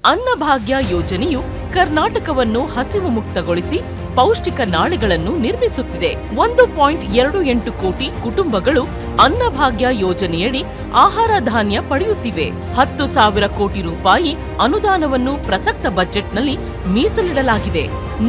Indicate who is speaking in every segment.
Speaker 1: ಅನ್ನಭಾಗ್ಯ ಯೋಜನೆಯು ಕರ್ನಾಟಕವನ್ನು ಹಸಿವು ಮುಕ್ತಗೊಳಿಸಿ ಪೌಷ್ಟಿಕ ನಾಳೆಗಳನ್ನು ನಿರ್ಮಿಸುತ್ತಿದೆ. 1.28 ಕೋಟಿ ಕುಟುಂಬಗಳು ಅನ್ನಭಾಗ್ಯ ಯೋಜನೆಯಡಿ ಆಹಾರ ಧಾನ್ಯ ಪಡೆಯುತ್ತಿವೆ. 10,000 ಕೋಟಿ ರೂಪಾಯಿ ಅನುದಾನವನ್ನು ಪ್ರಸಕ್ತ ಬಜೆಟ್ನಲ್ಲಿ ಮೀಸಲಿಡಲಾಗಿದೆ.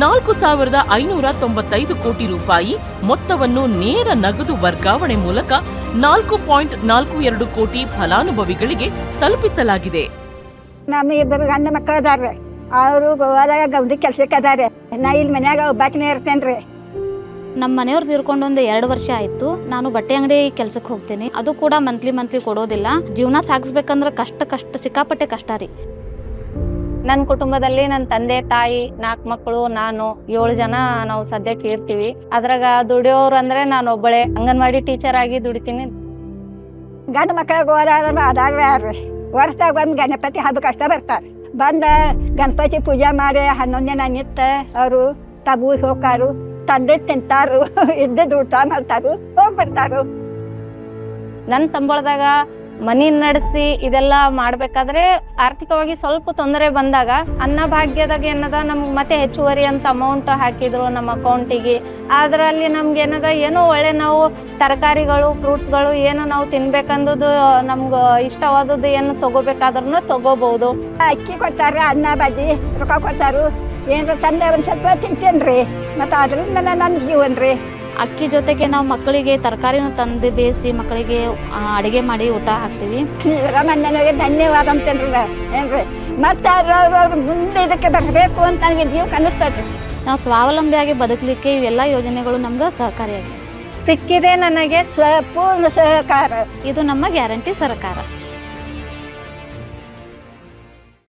Speaker 1: 4,595 ಕೋಟಿ ರೂಪಾಯಿ ಮೊತ್ತವನ್ನು ನೇರ ನಗದು ವರ್ಗಾವಣೆ ಮೂಲಕ 4.42 ಕೋಟಿ ಫಲಾನುಭವಿಗಳಿಗೆ ತಲುಪಿಸಲಾಗಿದೆ.
Speaker 2: ನಮ್ಮ ಇಬ್ಬರು ಗಂಡ ಮಕ್ಕಳು ಅದಾರ್ರಿ, ಅವರು ಗೋವಾದಾಗ ಗೌಡಿ ಕೆಲ್ಸಕ್ಕೆ ಅದಾರೆ. ನಾ ಇಲ್ಲಿ ಮನ್ಯಾಗ ಒಬ್ಬಾಕಿನೇ ಇರ್ತೇನ್ರಿ.
Speaker 3: ನಮ್ಮ ಮನೆಯವ್ರು ತೀರ್ಕೊಂಡು ಒಂದು 2 ವರ್ಷ ಆಯಿತು. ನಾನು ಬಟ್ಟೆ ಅಂಗಡಿ ಕೆಲ್ಸಕ್ಕೆ ಹೋಗ್ತೀನಿ. ಅದು ಕೂಡ ಮಂತ್ಲಿ ಕೊಡೋದಿಲ್ಲ. ಜೀವನ ಸಾಗಿಸ್ಬೇಕಂದ್ರೆ ಕಷ್ಟ ಸಿಕ್ಕಾಪಟ್ಟೆ ಕಷ್ಟ ರೀ.
Speaker 4: ನನ್ನ ಕುಟುಂಬದಲ್ಲಿ ನನ್ನ ತಂದೆ ತಾಯಿ 4 ಮಕ್ಕಳು, ನಾನು 7 ಜನ ನಾವು ಸದ್ಯಕ್ಕೆ ಇರ್ತೀವಿ. ಅದ್ರಾಗ ದುಡಿಯೋರು ಅಂದ್ರೆ ನಾನು ಒಬ್ಬಳೆ ಅಂಗನವಾಡಿ ಟೀಚರ್ ಆಗಿ ದುಡಿತೀನಿ.
Speaker 2: ಗಂಡ ಮಕ್ಕಳಿಗೆ ಹೋದಾರ ಅದಾರ್ರಿ ಯಾರ್ರಿ ವರ್ಷದಾಗ ಒಂದು ಗಣಪತಿ ಹಬ್ಬಕ್ಕೆ ಅಷ್ಟ ಬರ್ತಾರೆ. ಬಂದ ಗಣಪತಿ ಪೂಜೆ ಮಾಡಿ 11 ದಿನ ನಿಂತ ಅವರು ತಬೂರ್ ಹೋಗಾರು, ತಂದೆ ತಿಂತಾರು, ಇದ್ದದ್ದು ಊಟ ಮಾಡ್ತಾರು, ಹೋಗ್ಬಿಡ್ತಾರು.
Speaker 4: ನನ್ನ ಸಂಬಳದಾಗ ಮನಿ ನಡೆಸಿ ಇದೆಲ್ಲ ಮಾಡ್ಬೇಕಾದ್ರೆ ಆರ್ಥಿಕವಾಗಿ ಸ್ವಲ್ಪ ತೊಂದರೆ ಬಂದಾಗ ಅನ್ನಭಾಗ್ಯದಾಗ ಏನದ ನಮ್ಗೆ ಮತ್ತೆ ಹೆಚ್ಚುವರಿ ಅಂತ ಅಮೌಂಟ್ ಹಾಕಿದ್ರು ನಮ್ಮ ಅಕೌಂಟಿಗೆ. ಅದರಲ್ಲಿ ನಮ್ಗೆ ಏನದ ಏನೋ ಒಳ್ಳೆ ನಾವು ತರಕಾರಿಗಳು ಫ್ರೂಟ್ಸ್ಗಳು ಏನು ನಾವು ತಿನ್ಬೇಕಂದು ನಮ್ಗೆ ಇಷ್ಟವಾದದ್ದು ಏನು ತಗೋಬೇಕಾದ್ರೂ ತಗೋಬಹುದು.
Speaker 2: ಅಕ್ಕಿ ಕೊಡ್ತಾರೆ, ಅನ್ನ ಬಜ್ಜಿ ರೊಕ್ಕ ಕೊಡ್ತಾರು, ಏನಾರ ತಂದೆ ಒಂದು ಸ್ವಲ್ಪ ತಿಂತೇನ್ರಿ. ಮತ್ತು ಅದರಿಂದ ನನ್ನ ಜೀವನ ರೀ.
Speaker 3: ಅಕ್ಕಿ ಜೊತೆಗೆ ನಾವು ಮಕ್ಕಳಿಗೆ ತರಕಾರಿನೂ ತಂದು ಬೇಯಿಸಿ ಮಕ್ಕಳಿಗೆ ಅಡುಗೆ ಮಾಡಿ ಊಟ ಹಾಕ್ತೀವಿ.
Speaker 2: ರಮಣ್ಣನಿಗೆ ಧನ್ಯವಾದ ಅಂತೇನ್ರಿ ಏನ್ರಿ. ಮತ್ತೆ ಅವ್ರು ಮುಂದೆ ಇದಕ್ಕೆ ಬರಬೇಕು ಅಂತ ನನಗೆ ಜೀವ ಕನಿಸ್ತದೆ.
Speaker 3: ನಾವು ಸ್ವಾವಲಂಬಿಯಾಗಿ ಬದುಕಲಿಕ್ಕೆ ಇವೆಲ್ಲ ಯೋಜನೆಗಳು ನಮ್ಗೆ ಸಹಕಾರಿಯಾಗಿದೆ.
Speaker 4: ಸಿಕ್ಕಿದೆ ನನಗೆ
Speaker 2: ಪೂರ್ಣ ಸಹಕಾರ.
Speaker 3: ಇದು ನಮ್ಮ ಗ್ಯಾರಂಟಿ ಸರ್ಕಾರ.